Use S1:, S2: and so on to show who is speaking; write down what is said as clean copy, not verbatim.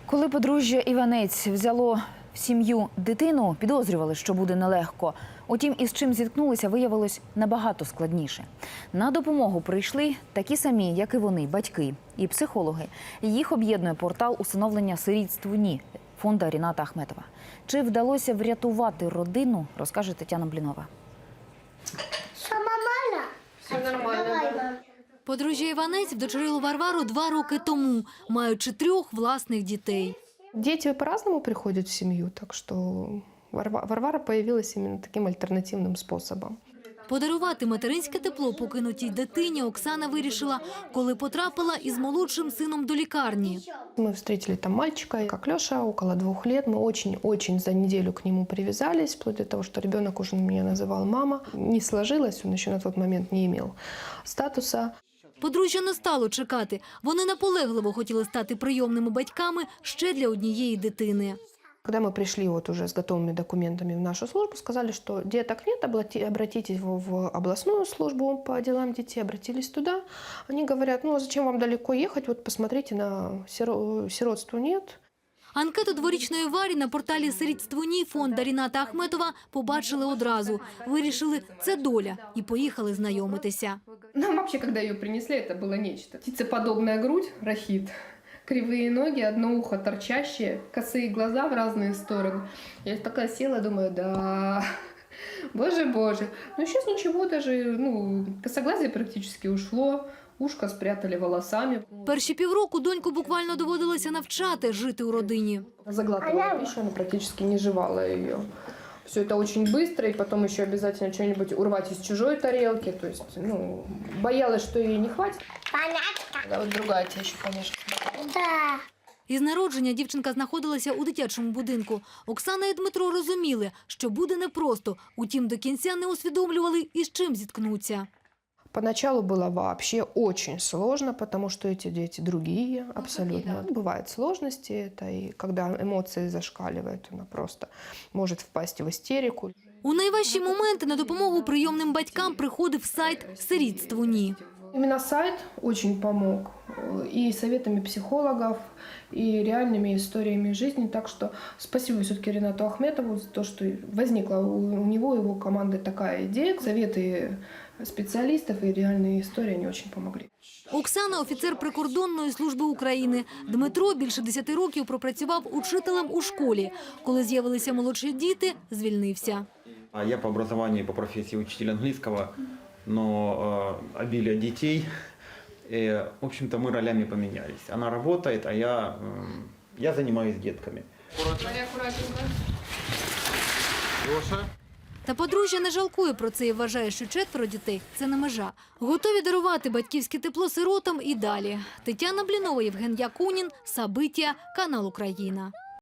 S1: Коли подружжя Іванець взяло в сім'ю дитину, підозрювали, що буде нелегко. Утім, із чим зіткнулися, виявилось набагато складніше. На допомогу прийшли такі самі, як і вони, батьки і психологи. Їх об'єднує портал усиновлення сирітств НІ фонду Ріната Ахметова. Чи вдалося врятувати родину, розкаже Тетяна Блінова.
S2: Все нормально? Все нормально.
S3: Подружжя Іванець вдочерило Варвару 2 роки тому, маючи 3 власних дітей.
S4: Дети по-разному приходят в семью, так что Варвара появилась именно таким альтернативным способом.
S3: Подарувати материнське тепло покинутій дитині Оксана вирішила, коли потрапила із молодшим сином до лікарні.
S4: Мы встретили там мальчика, как Леша, около 2 лет. Мы очень за неделю к нему привязались, вплоть до того, что ребенок уже меня называл мама. Не сложилось, он еще на тот момент не имел статуса.
S3: Подружжя не стало чекати. Вони наполегливо хотіли стати прийомними батьками ще для однієї дитини.
S4: Когда мы пришли вот уже с готовыми документами в нашу службу, сказали, что деток нет, обратитесь в областную службу по делам детей, обратились туда. Они говорят, ну а зачем вам далеко ехать, вот посмотрите, на сиротство нет.
S3: Анкету 2-річної Варі на порталі «Сирітство НІ» фонду Ріната Ахметова побачили одразу. Вирішили – це доля і поїхали знайомитися.
S4: Нам вообще, когда ее принесли, это было нечто. Птицеподобная грудь, рахит, кривые ноги, одно ухо торчащее, косые глаза в разные стороны. Я такая села, думаю, да, боже. Но сейчас ничего, даже косоглазие практически ушло. Ушко спрятали волосами.
S3: Перші півроку доньку буквально доводилося навчати жити у родині.
S4: Заглатывала пищу, она практически не жевала ее. Все это очень быстро, и потом еще обязательно что-нибудь урвать из чужой тарелки. То есть, боялась, что ей не хватит.
S2: Понятно?
S4: Да, вот другая тебя еще, конечно.
S2: Да.
S3: Із народження дівчинка знаходилася у дитячому будинку. Оксана і Дмитро розуміли, що буде непросто. Утім, до кінця не усвідомлювали, із чим зіткнуться.
S4: Поначалу было вообще очень сложно, потому что эти дети другие абсолютно. Бывают сложности, это и когда эмоции зашкаливают, она просто может впасть в истерику.
S3: У найважчі моменти на допомогу прийомним батькам приходив сайт «Сирітство НІ».
S4: Именно сайт очень помог и советами психологов, и реальными историями жизни. Так что спасибо все-таки Ринату Ахметову за то, что возникла у него и его команды такая идея. Советы специалистов и реальные истории, они очень помогли.
S3: Оксана – офіцер прикордонної служби України. Дмитро більше 10 років пропрацював учителем у школі. Коли з'явилися молодші діти, звільнився.
S5: Я по образованию, по профессии учитель английского, но обилие детей, в общем-то, мы ролями поменялись. Она работает, а я занимаюсь детками.
S3: Та подружжя не жалкує про це і вважає, що 4 дітей – це не межа. Готові дарувати батьківське тепло сиротам і далі. Тетяна Блінова, Євген Якунін, Сабиття, канал Україна.